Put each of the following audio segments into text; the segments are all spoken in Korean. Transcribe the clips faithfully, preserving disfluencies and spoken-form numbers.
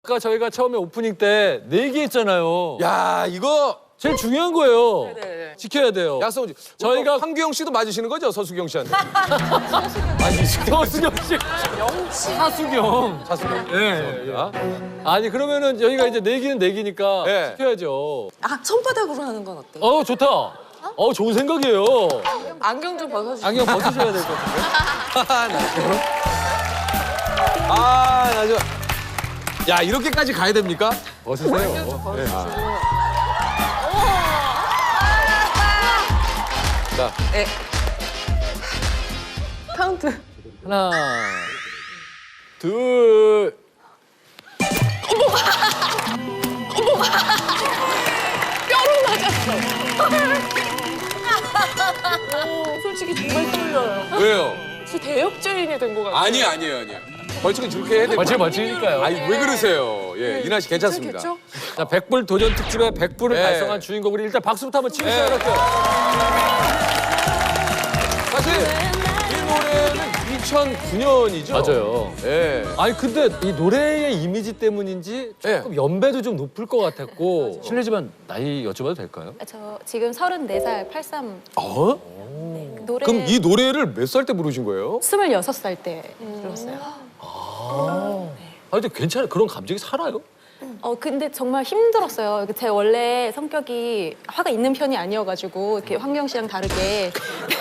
아까 저희가 처음에 오프닝 때 내기했잖아요. 야 이거 제일 중요한 거예요. 네네. 지켜야 돼요. 약속. 저희가 저희가 황규영 씨도 맞으시는 거죠, 서수경 씨한테? 아니 서수경 씨, 영치. 사수경. 사수경. 예. 예. 아? 아니 그러면은 저희가 이제 내기는 내기니까 네. 지켜야죠. 아, 손바닥으로 하는 건 어때? 어 좋다. 어 좋은 생각이에요. 안경 좀 벗어주세요. 안경 벗으셔야 될 것 같은데. 아, 나 저. 야, 이렇게까지 가야 됩니까? 벗으세요. 자, 네. 카운트. 하나, 둘. 뼈로 맞았어. 오, 솔직히 정말 떨려요. 왜요? 저 대역죄인이 된 것 같아요. 아니에요, 아니에요, 아니에요. 벌칙은 저렇게 해야 돼요. 벌칙 벌칙이니까요. 아니, 왜 그러세요? 예, 이나 씨 괜찮습니다. 괜찮겠죠? 자, 백불 도전 특집의 백불을 네. 달성한 주인공 우리 일단 박수부터 한번 치고 네. 시작할게요. 사실 이 노래는 이천구 년이죠? 맞아요. 예. 아니 근데 이 노래의 이미지 때문인지 조금 연배도 좀 높을 것 같았고 실례지만 나이 여쭤봐도 될까요? 저 지금 서른네 살 팔삼 어? 노래 그럼 이 노래를 몇 살 때 부르신 거예요? 스물여섯 살 때 들었어요. 아 근데 괜찮아요. 그런 감정이 살아요? 어 근데 정말 힘들었어요. 제 원래 성격이 화가 있는 편이 아니어가지고 이렇게 황경 씨랑 다르게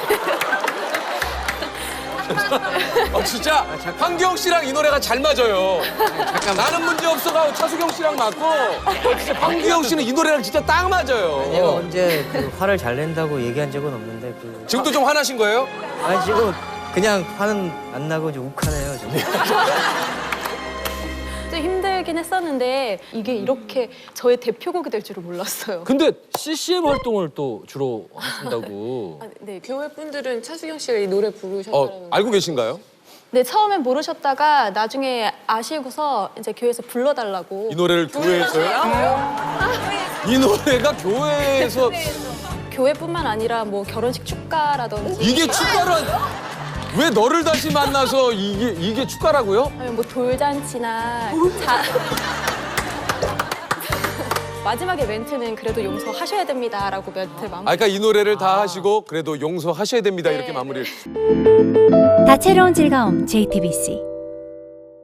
아, 진짜 황경 씨랑 이 노래가 잘 맞아요. 나는 문제 없어가 차수경 씨랑 맞고 황규영 씨는 이 노래랑 진짜 딱 맞아요. 내가 언제 그 화를 잘 낸다고 얘기한 적은 없는데 그 지금도 좀 화나신 거예요? 아니 지금 그냥 화는 안 나고 좀 욱하네요 지금. 좀 힘들긴 했었는데 이게 이렇게 저의 대표곡이 될 줄은 몰랐어요. 근데 씨씨엠 활동을 또 주로 하신다고. 아, 네, 교회 분들은 차수경 씨가 이 노래 부르셨다는 어, 알고 계신가요? 네, 처음엔 모르셨다가 나중에 아시고서 이제 교회에서 불러달라고. 이 노래를 교회에서요? 이 노래가 교회에서 교회뿐만 아니라 뭐 결혼식 축가라든지 이게 축가를 왜 너를 다시 만나서 이게 이게 축가라고요? 아니면 뭐 돌잔치나 자... 마지막에 멘트는 그래도 용서하셔야 됩니다라고 멘트 마무리. 아, 그러니까 이 노래를 다 하시고 그래도 용서하셔야 됩니다 이렇게 마무리를. 다채로운 즐거움 제이티비씨